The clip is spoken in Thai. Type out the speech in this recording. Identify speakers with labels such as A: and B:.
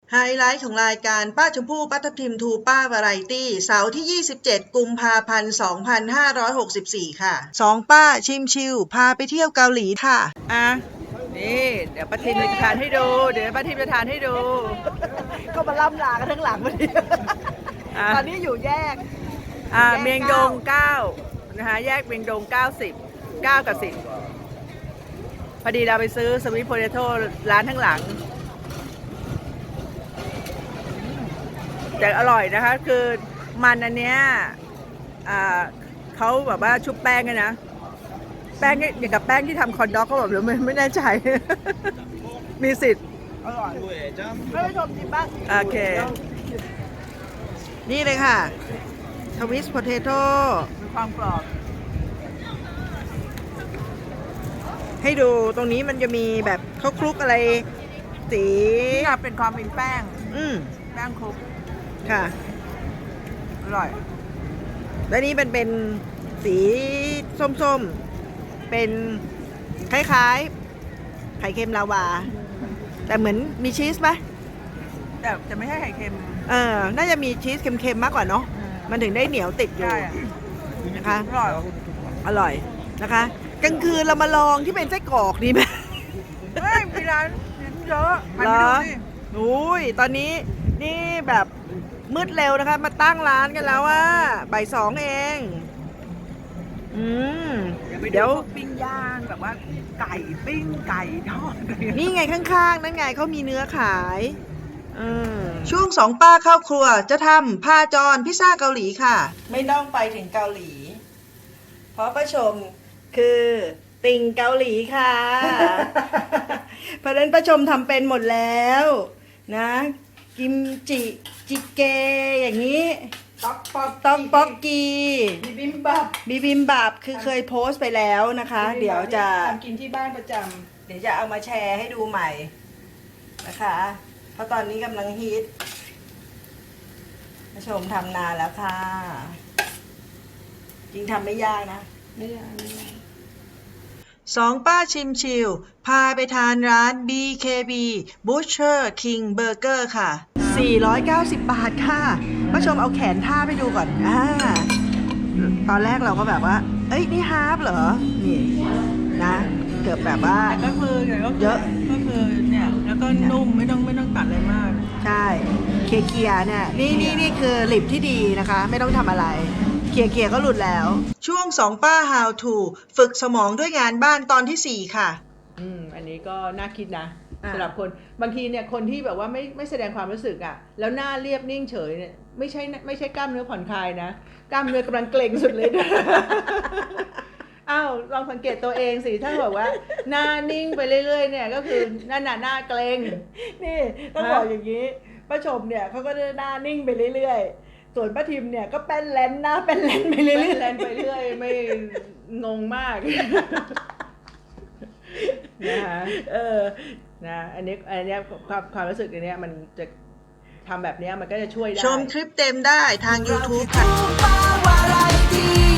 A: ไฮไลท์ของรายการป้าชมพู่ป้าทับทิมทูป้าวาไรตี้เสาร์ที่ 27 กุมภาพันธ์ 2564 ค่ะสองป้าชิมชิวพาไปเที่ยวเกาหลีค่ะ
B: นี่เดี๋ยวป้าทิมจะทานให้ดู ก็มาล่ำลากันทั้งหลังวันนี้ตอนนี้อยู่แยกเมียงดง9นะคะแยกเมียงดง90 9กับ10พอดีเราไปซื้อสวีทโพเตโต้ร้านทั้งหลังแต่อร่อยนะคะคือมันอันเนี้ยเขาแบบว่าชุบแป้งกันนะแป้งอย่างกับแป้งที่ทำคอนด็อกเขาแบบหรือไม่แน่ใจมีสิทธิ์อร่อยให้ผู้ชมชิมบ้างโอเค
A: นี่เลยค่ะทวิสต์โพเทโต้
B: มีความกรอบ
A: ให้ดูตรงนี้มันจะมีแบบเขาคลุกอะไรสี
B: นี่เป็นความเป็นแป้งแป้งคลุก
A: ค่ะ
B: อร่อย
A: และนี่เป็นสีส้มๆเป็นคล้ายๆไข่เค็มลาวาแต่เหมือนมีชีสไหม
B: แต่ไม่ใช่ไข่เค็ม
A: น่าจะมีชีสเค็มๆมากกว่าเนาะมันถึงได้เหนียวติดอยู่นะคะอร่อยนะคะกลางคืนเรามาลองที่เป็นไส้กรอกดีไหม
B: ไม่มีร้านเยอะ
A: เหรออุ้ยตอนนี้นี่แบบมืดเร็วนะคะมาตั้งร้านกันแล้วว่าบ่าย2เอง
B: เดี๋ยวปิ้งย่างแบบว่าไก่ปิ้งไก่ทอด
A: นี่ไงข้างๆนั่นไงเขามีเนื้อขายช่วงสองป้าเข้าครัวจะทำพาจรพิซซ่าเกาหลีค่ะไม่ต้องไปถึงเกาหลีเพราะป้าชมคือติ่งเกาหลีค่ะเพราะฉะนั้นป้าชมทำเป็นหมดแล้วนะกิมจิจิเกอย่างนี้ต๊อกป๊อกกี
B: บิบิมบับ
A: คือเคยโพสต์ไปแล้วนะคะเดี๋ยวจะ
B: กินที่บ้านประจ
A: ำเดี๋ยวจะเอามาแชร์ให้ดูใหม่นะคะเพราะตอนนี้กำลังฮิตผู้ชมทำนานแล้วค่ะจริงทำไม่ยากนะ
B: ไม่ยาก
A: สองป้าชิมชิวพาไปทานร้าน BKB Butcher King Burger ค่ะ490 บาทค่ะผู้ชมเอาแขนท่าไปดูก่อนตอนแรกเราก็แบบว่าเอ้ยนี่ฮาร์ฟเหรอนี่นะเกือบแบบว่า
B: ก็คือเยอะก็คือเนี่ยแล้วก็นุ่มไม่ต้องตัดอะไรมาก
A: ใช่เคลียร์เนี่ยนี่คือลิปที่ดีนะคะไม่ต้องทำอะไรเคลียร์ก็หลุดแล้วช่วงสองป้า How to ฝึกสมองด้วยงานบ้านตอนที่4ค่ะ
B: อันนี้ก็น่าคิดนะสำหรับคนบางทีเนี่ยคนที่แบบว่าไม่แสดงความรู้สึกอ่ะแล้วหน้าเรียบนิ่งเฉยเนี่ยไม่ใช่กล้ามเนื้อผ่อนคลายนะกล้ามเนื้อกำลังเกร็งสุดเลยอ้าวลองสังเกตตัวเองสิถ้าบอกว่าหน้านิ่งไปเรื่อยๆเนี่ยก็คือหน้าเกร็งนี่ต้องบอกอย่างนี้ป้าชมเนี่ยเขาก็หน้านิ่งไปเรื่อยๆส่วนป้าทิมเนี่ยก็แป้นแลนหน้าแป้นแลนไปเรื่อยๆแลนไปเรื่อยไม่งงมากนะคะนะอันนี้ความรู้สึกอันนี้มันจะทำแบบนี้มันก็จะช่วยได้
A: ชมคลิปเต็มได้ทาง YouTube ค่ะ